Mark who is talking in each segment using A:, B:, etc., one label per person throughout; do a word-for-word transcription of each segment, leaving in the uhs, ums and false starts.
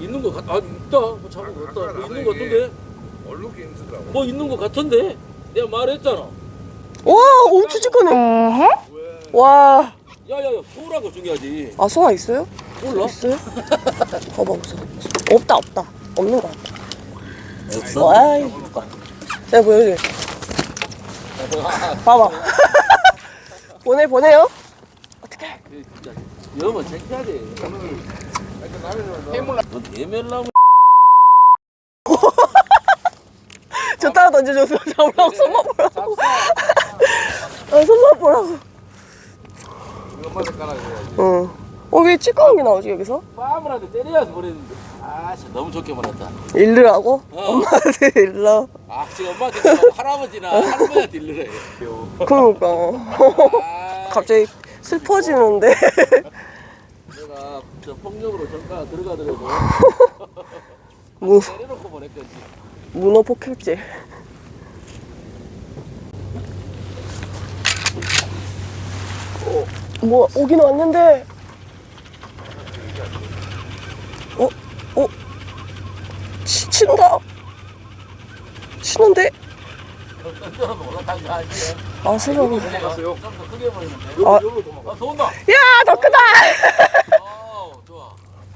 A: 있는 거 같, 아 있다. 뭐 잡은 거 같다. 뭐 있는 거 같은데?
B: 얼룩이 있더라고.
A: 뭐 있는 거 같은데? 내가 말했잖아.
C: 와, 엄청 찌끄네. 와.
A: 야야야, 소라고 중요하지.
C: 아, 소화 있어요?
A: 몰라?
C: 있어요? 봐봐, 무슨. 없다, 없다. 없는 거 같다.
A: 없어?
C: 아이, 볼까. 내가 보여줄게. 봐봐. 보내, 보내요? 어떡해.
A: 진짜 여면 챙겨야지. 해물라. 너 대멸나무.
C: 저 따라 던져줘서 잡으라고, 손만 보라고. 아, 손만 보라고.
B: 이것만 깔아줘야지.
C: 응. 어, 왜 찌꺼운 게 나오지, 여기서?
A: 빠물한테 때려서 버렸는데. 아, 진짜 너무 좋게 말했다.
C: 일르라고?
A: 어.
C: 엄마한테 일러.
A: 아, 지금 엄마한테 일러. 할아버지나 할머니한테 일러래.
C: 그러니까.
A: 아,
C: 갑자기 슬퍼지는데.
A: 내가 저 폭력으로 전가 들어가더라도
C: 문,
A: 때려놓고 보냈겠지.
C: 문어 폭격제. 어, 뭐, 오긴 왔는데. 어? 어? 치, 친다. 치는데?
A: 던져도 올라탄 거 아니야?
C: 아, 세상에.
A: 좀더 크게 보이는데.
C: 아.
A: 여기로 도망가. 아, 더 온다.
C: 야, 더 크다!
A: 어, 좋아.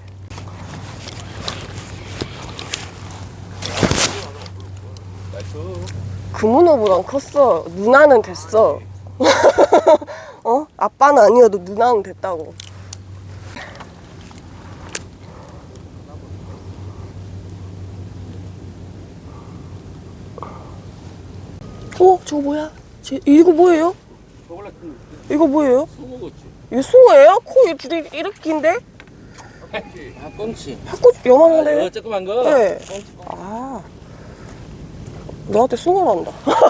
C: 그 문어보단 컸어. 누나는 됐어. 어? 아빠는 아니어도 누나는 됐다고. 어? 저거 뭐야? 제, 이거 뭐예요?
A: 원래 그
C: 이거 뭐예요?
A: 숭어겠지.
C: 이거 숭어예요? 코 줄이 이렇게 긴데?
A: 아, 꽁치.
C: 핫꽃 요만한데?
A: 어, 조그만 거.
C: 네. 아. 너한테 숭어란다.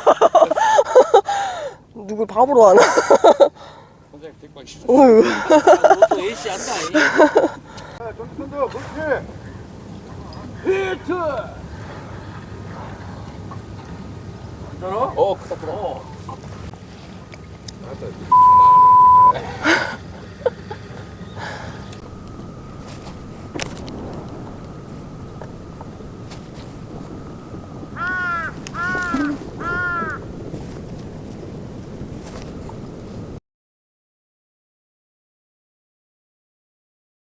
C: 누굴 바보로 하나?
A: 굉장히 대박이지.
C: 어휴.
A: 또 A씨 한다.
B: 야, 좀 손들어, 그렇지.
A: 히트. 괜찮아? 어, 크다, 크다. 어.
B: 알았다.